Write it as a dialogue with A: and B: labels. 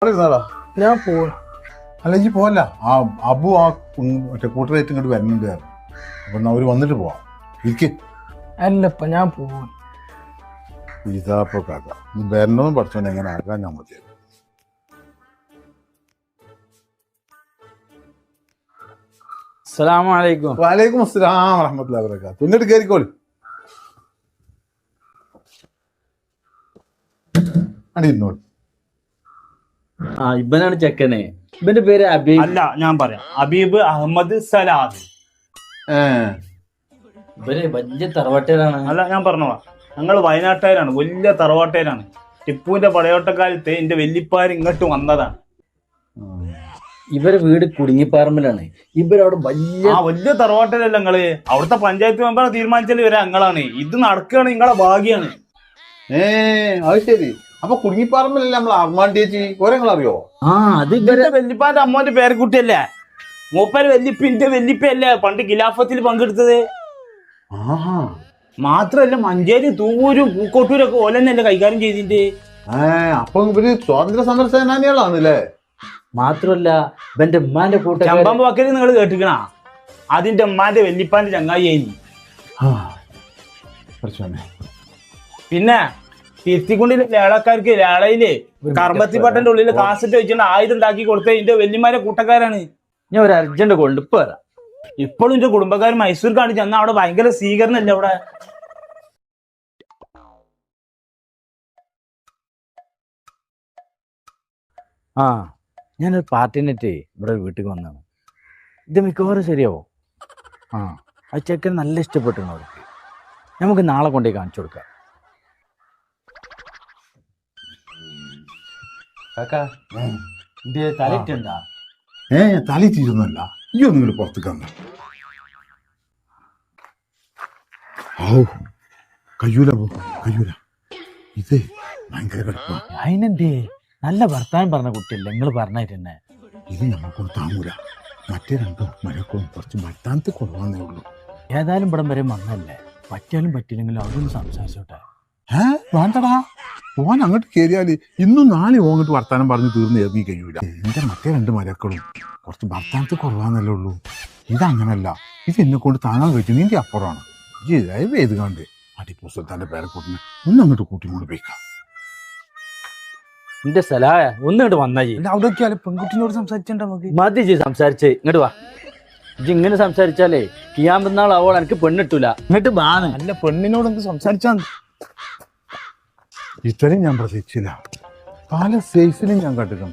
A: ഞാൻ പോവാ.
B: അല്ല ഇജ്ജ് പോവല്ല, ആ അബു ആ മറ്റേ കൂട്ടരായിട്ട് ഇങ്ങോട്ട് വരുന്നുണ്ട്. അപ്പൊ അവര് വന്നിട്ട് പോവാം. ഇരിക്ക്.
A: അല്ലപ്പ ഞാൻ പോവാ.
B: ഇതാപ്പോ കഥ. ഇത് വരണതും പഠിച്ചോണ്ട് എങ്ങനെ ആകാൻ ഞാൻ മതി.
C: അസ്സലാമലൈക്കും.
B: വലൈക്കും അസ്സലാം വറഹ്മത്തുള്ളാഹി വബറകാതുഹു. ഇങ്ങോട്ട് കയറിക്കോളി. അടിയിരുന്നോളി.
C: ഇവനാണ് ചെക്കനെ. ഇവന്റെ പേര് അബീബ്.
D: അല്ല, ഞാൻ പറയാം, ഹബീബ് അഹമ്മദ് സലാദ്.
C: ഇവര് വലിയ തറവാട്ടേരാണ്.
D: അല്ല, ഞാൻ പറഞ്ഞോളാം, ഞങ്ങൾ വയനാട്ടുകാരാണ്, വലിയ തറവാട്ടേരാണ്. ടിപ്പുവിന്റെ പടയോട്ടക്കാലത്ത് എന്റെ വെല്ലിപ്പാര് ഇങ്ങോട്ട് വന്നതാണ്.
C: ഇവരെ വീട് കുടുങ്ങിപ്പാറമ്പിലാണ്. ഇവരവിടെ വലിയ
D: തറവാട്ടേരല്ല ഞങ്ങള്. അവിടുത്തെ പഞ്ചായത്ത് മെമ്പറെ തീരുമാനിച്ചാൽ വരെ ഞങ്ങളാണ്. ഇത് നടക്കുകയാണ്, നിങ്ങളെ ഭാഗ്യാണ്.
B: അത് ശരി. അപ്പൊ കുടുങ്ങിപ്പാറമ്പിലല്ലേ നമ്മൾ അർമാൻ ചേച്ചി ഓരങ്ങൾ അറിയോ?
C: അത്
D: ഇവരുടെ വെല്ലിപ്പാന്റെ അമ്മോന്റെ പേരക്കുട്ടിയല്ലേ മൂപ്പര് വെല്ലിപ്പിന്റെ വെല്ലിപ്പയല്ലേ പണ്ട് ഖിലാഫത്തിൽ പങ്കെടുത്തത്. മാത്രല്ല മഞ്ചേരി തൂവൂരും പൂക്കോട്ടൂരും ഒക്കെ ഓലെന്നല്ലേ കൈകാര്യം ചെയ്തിട്ട്.
B: അപ്പൊ ഇവര് സ്വാതന്ത്ര്യ സമര സേനാനികളാണല്ലേ?
C: മാത്രല്ല ഇവന്റെ ഉമ്മാന്റെ കൂട്ടം
D: ചമ്പാമ്പ് വക്കല് നിങ്ങൾ കേട്ടിക്കണ? അതിന്റെ ഉമ്മാന്റെ വെല്ലിപ്പാന്റെ ചങ്ങായി. പിന്നെ തിരുത്തിക്കുണ്ടിലെ ലേളക്കാർക്ക് ലേളയില് കർമ്മത്തിപ്പട്ടന്റെ ഉള്ളില് കാസറ്റ് വെച്ചിട്ട് ആയുധം ഉണ്ടാക്കി കൊടുത്ത എന്റെ വെല്ലിമാരെ കൂട്ടക്കാരാണ്.
C: ഞാൻ ഒരു അർജന്റ് കൊണ്ടിപ്പ് വരാം.
D: ഇപ്പോഴും എന്റെ കുടുംബക്കാർ മൈസൂർ കാണിച്ച് ചെന്ന അവിടെ ഭയങ്കര സ്വീകരണല്ലേ അവിടെ.
C: ഞാനൊരു പാർട്ടിനെറ്റ് ഇവിടെ വീട്ടിൽ വന്നാണ്. ഇത് മിക്കവാറും ശരിയാവോ? ആ ചെക്കൻ നല്ല ഇഷ്ടപ്പെട്ടിരുന്നു അവർക്ക്. നമുക്ക് നാളെ കൊണ്ടുപോയി കാണിച്ചു കൊടുക്കാം. തലയിട്ടുണ്ടാ?
B: തലി തീരുന്നല്ല. ഈ ഒന്നും കൂടി പുറത്തേക്ക് വന്ന കയ്യൂല കയ്യൂല. ഇത് ഭയങ്കര കടുപ്പാ.
C: അതിനെന്തേ? നല്ല വർത്താനം പറഞ്ഞ കുട്ടിയല്ലേ നിങ്ങൾ പറഞ്ഞിട്ടെന്നെ.
B: ഇത് ഞമ്മക്കൊന്നും താങ്ങൂല. മറ്റേ രണ്ടും മരക്കോളും കുറച്ച് വർത്താനത്തിൽ കുറവാന്നേ ഉള്ളൂ.
C: ഏതായാലും ഇവിടം വരെ വന്നല്ലേ, പറ്റിയാലും പറ്റില്ലെങ്കിലും അവരൊന്ന് സംസാരിച്ചോട്ടെ.
B: വേണ്ടടാ, ഓൻ അങ്ങോട്ട് കയറിയാല് ഇന്നും നാളെ അങ്ങോട്ട് വർത്താനം പറഞ്ഞ് തീർന്ന് ഇറങ്ങി കഴിയൂല. എന്റെ മറ്റേ രണ്ട് മരക്കളും കുറച്ച് വർത്താനത്തിൽ കുറവാന്നല്ലേ ഉള്ളൂ. ഇതങ്ങനല്ല. ഇത് എന്നെ കൊണ്ട് താങ്ങാൻ കഴിച്ചു. നിന്റെ അപ്പുറമാണ്. ദയവ് ചെയ്ത് കണ്ട് ടിപ്പു സുൽത്താന്റെ പേരക്കൂട്ടിനെ ഒന്ന് അങ്ങോട്ട് കൂട്ടിക്കൊണ്ട് പോയിക്കാം.
C: എന്റെ സലായ ഒന്നിങ്ങോട്ട് വന്നാ
A: അവിടെ പെൺകുട്ടിനോട് സംസാരിച്ചിട്ടുണ്ടോ? നമുക്ക്
C: മതി സംസാരിച്ചേ. ഇങ്ങോട്ട് വാ. ഇങ്ങനെ സംസാരിച്ചാലേ കിയാമ്പെന്നാൾ അവൾ എനിക്ക് പെണ്ണിട്ടൂല. ഇങ്ങോട്ട് ബാണ്.
A: അല്ല, പെണ്ണിനോട് എന്ത് സംസാരിച്ചാ?
B: ഇത്രയും ഞാൻ പ്രതീക്ഷിച്ചില്ല. പല സൈസിലും ഞാൻ കണ്ടിരുന്നു.